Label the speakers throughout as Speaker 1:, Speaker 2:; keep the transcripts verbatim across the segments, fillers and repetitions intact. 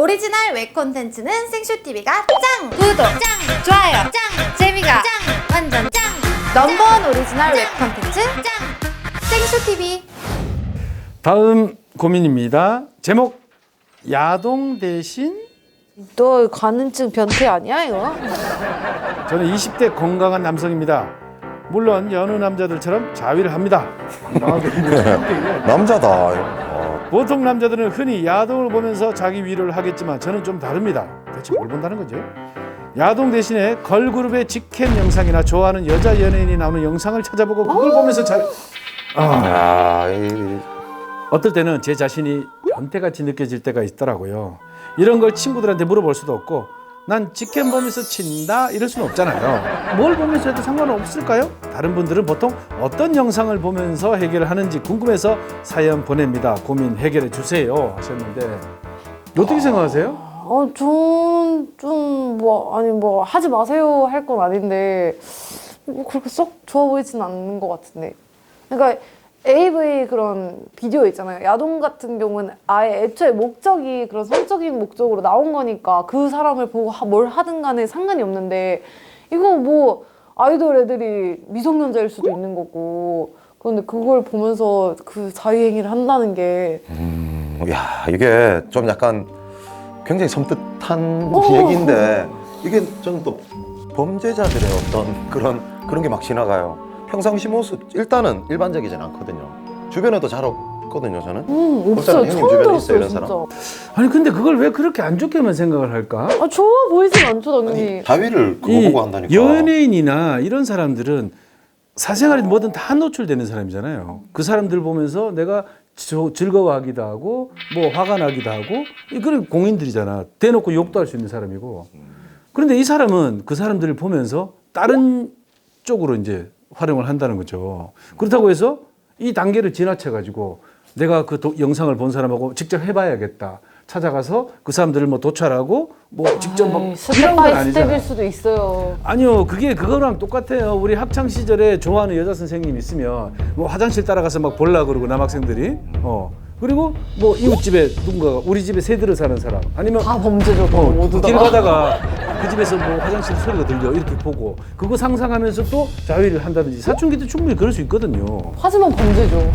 Speaker 1: 오리지널 웹 콘텐츠는 생쇼티비가 짱! 구독 짱! 좋아요 짱! 재미가 짱! 완전 짱! 넘버원 오리지널 웹 콘텐츠 짱! 생쇼티비.
Speaker 2: 다음 고민입니다. 제목 야동 대신
Speaker 3: 너 가는증 변태 아니야 이거?
Speaker 2: 저는 이십 대 건강한 남성입니다. 물론 여느 남자들처럼 자위를 합니다.
Speaker 4: 남자다.
Speaker 2: 보통 남자들은 흔히 야동을 보면서 자기 위로를 하겠지만 저는 좀 다릅니다. 대체 뭘 본다는 거죠? 야동 대신에 걸그룹의 직캠 영상이나 좋아하는 여자 연예인이 나오는 영상을 찾아보고 그걸 보면서 자... 아,
Speaker 4: 아, 이...
Speaker 2: 어떨 때는 제 자신이 변태같이 느껴질 때가 있더라고요. 이런 걸 친구들한테 물어볼 수도 없고 난 직캠 보면서 친다 이럴 수는 없잖아요. 뭘 보면서 해도 상관은 없을까요? 다른 분들은 보통 어떤 영상을 보면서 해결을 하는지 궁금해서 사연 보냅니다. 고민 해결해 주세요 하셨는데 어떻게 생각하세요?
Speaker 3: 어, 저는 좀 뭐 아니 뭐 하지 마세요 할 건 아닌데 뭐 그렇게 썩 좋아 보이진 않는 것 같은데. 그러니까 에이브이 그런 비디오 있잖아요. 야동 같은 경우는 아예 애초에 목적이 그런 성적인 목적으로 나온 거니까 그 사람을 보고 뭘 하든 간에 상관이 없는데 이거 뭐 아이돌 애들이 미성년자일 수도 있는 거고 그런데 그걸 보면서 그 자유행위를 한다는 게
Speaker 4: 음, 야, 이게 좀 약간 굉장히 섬뜩한
Speaker 3: 오.
Speaker 4: 얘기인데 이게 저는 또 범죄자들의 어떤 그런 그런 게 막 지나가요. 평상시 모습 일단은 일반적이진 않거든요. 주변에도 잘 없거든요, 저는.
Speaker 3: 음,
Speaker 4: 없잖아요.
Speaker 3: 없어요.
Speaker 4: 형님
Speaker 3: 처음
Speaker 4: 주변에 있어요,
Speaker 3: 들었어요,
Speaker 4: 이런
Speaker 3: 진짜.
Speaker 4: 사람?
Speaker 2: 아니 근데 그걸 왜 그렇게 안 좋게만 생각을 할까?
Speaker 3: 아, 좋아 보이진 않죠, 당연히.
Speaker 4: 아니, 자위를 그거
Speaker 2: 이
Speaker 4: 보고 한다니까.
Speaker 2: 연예인이나 이런 사람들은 사생활이 뭐든 다 노출되는 사람이잖아요. 그 사람들 보면서 내가 저, 즐거워하기도 하고 뭐 화가 나기도 하고 이 그런 공인들이잖아. 대놓고 욕도 할 수 있는 사람이고. 그런데 이 사람은 그 사람들을 보면서 다른 쪽으로 이제 활용을 한다는 거죠. 그렇다고 해서 이 단계를 지나쳐 가지고 내가 그 도, 영상을 본 사람하고 직접 해봐야겠다. 찾아가서 그 사람들을 뭐 도찰하고 뭐 직접 막
Speaker 3: 아이,
Speaker 2: 이런
Speaker 3: 스텝
Speaker 2: 건
Speaker 3: 바이
Speaker 2: 아니잖아요.
Speaker 3: 스텝일 수도 있어요.
Speaker 2: 아니요, 그게 그거랑 똑같아요. 우리 학창 시절에 좋아하는 여자 선생님 있으면 뭐 화장실 따라가서 막 볼라 그러고 남학생들이 어 그리고 뭐 이웃집에 누군가가 우리 집에 새들을 사는 사람 아니면
Speaker 3: 다 범죄죠,
Speaker 2: 어,
Speaker 3: 모두 다.
Speaker 2: 길 가다가 그 집에서 뭐 화장실 소리가 들려 이렇게 보고 그거 상상하면서 또 자위를 한다든지 사춘기 때 충분히 그럴 수 있거든요.
Speaker 3: 하지만 범죄죠.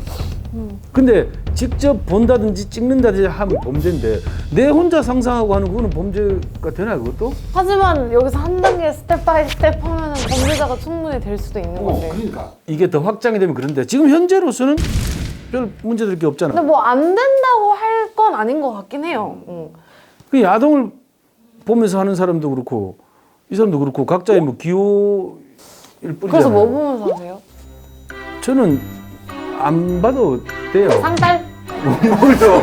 Speaker 2: 근데 직접 본다든지 찍는다든지 하면 범죄인데 내 혼자 상상하고 하는 그거는 범죄가 되나요, 그것도?
Speaker 3: 하지만 여기서 한 단계 스텝 바이 스텝 하면은 범죄자가 충분히 될 수도 있는 건데.
Speaker 2: 그러니까 이게 더 확장이 되면 그런데 지금 현재로서는 별 문제될 게 없잖아.
Speaker 3: 근데 뭐 안 된다고 할 건 아닌 것 같긴 해요. 응.
Speaker 2: 그 야동을 보면서 하는 사람도 그렇고 이 사람도 그렇고 각자의 뭐 기호일 뿐이잖아요.
Speaker 3: 그래서 뭐 보면서 하세요?
Speaker 2: 저는 안 봐도 돼요.
Speaker 3: 상달?
Speaker 2: 뭘요?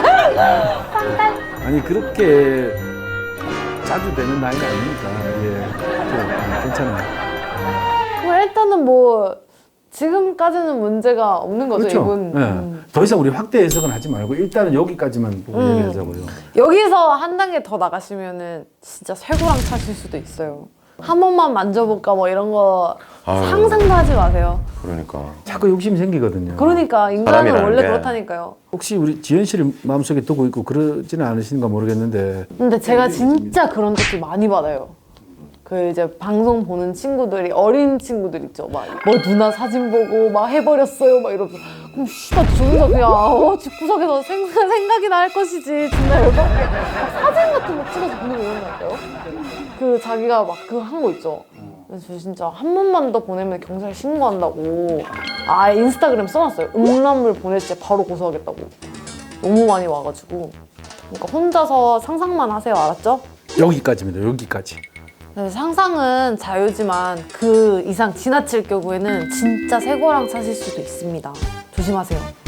Speaker 2: 아니 그렇게 자주 되는 나이가 아니니까 예, 예, 괜찮아요.
Speaker 3: 뭐 일단은 뭐 지금까지는 문제가 없는 거죠,
Speaker 2: 그렇죠.
Speaker 3: 이분.
Speaker 2: 예.
Speaker 3: 음.
Speaker 2: 더 이상 우리 확대 해석은 하지 말고 일단은 여기까지만 보고
Speaker 3: 음.
Speaker 2: 얘기하자고요.
Speaker 3: 여기서 한 단계 더 나가시면은 진짜 쇠고랑 차실 수도 있어요. 한 번만 만져볼까 뭐 이런 거
Speaker 4: 아유.
Speaker 3: 상상도 하지 마세요.
Speaker 4: 그러니까.
Speaker 2: 자꾸 욕심이 생기거든요.
Speaker 3: 그러니까 인간은
Speaker 4: 사람이라는
Speaker 3: 원래
Speaker 4: 게.
Speaker 3: 그렇다니까요.
Speaker 2: 혹시 우리 지현 씨를 마음속에 두고 있고 그러지는 않으신가 모르겠는데
Speaker 3: 근데 제가 진짜 그런 댓글 많이 받아요. 그 이제 방송 보는 친구들이 어린 친구들 있죠. 막 뭐 누나 사진 보고 막 해버렸어요. 막 이러면서 그럼 씨발 저 혼자 그냥 어 집구석에서 생, 생각이나 할 것이지. 존나 열받게 막 사진 같은 거 찍어서 보내고 이런다니까요. 그 자기가 막 그거 한 거 있죠. 그래서 저 진짜 한 번만 더 보내면 경찰 신고한다고 아 인스타그램 써놨어요. 음란물 보낼 때 바로 고소하겠다고. 너무 많이 와가지고 그러니까 혼자서 상상만 하세요. 알았죠?
Speaker 2: 여기까지입니다. 여기까지.
Speaker 3: 네, 상상은 자유지만 그 이상 지나칠 경우에는 진짜 쇠고랑 차실 수도 있습니다. 조심하세요.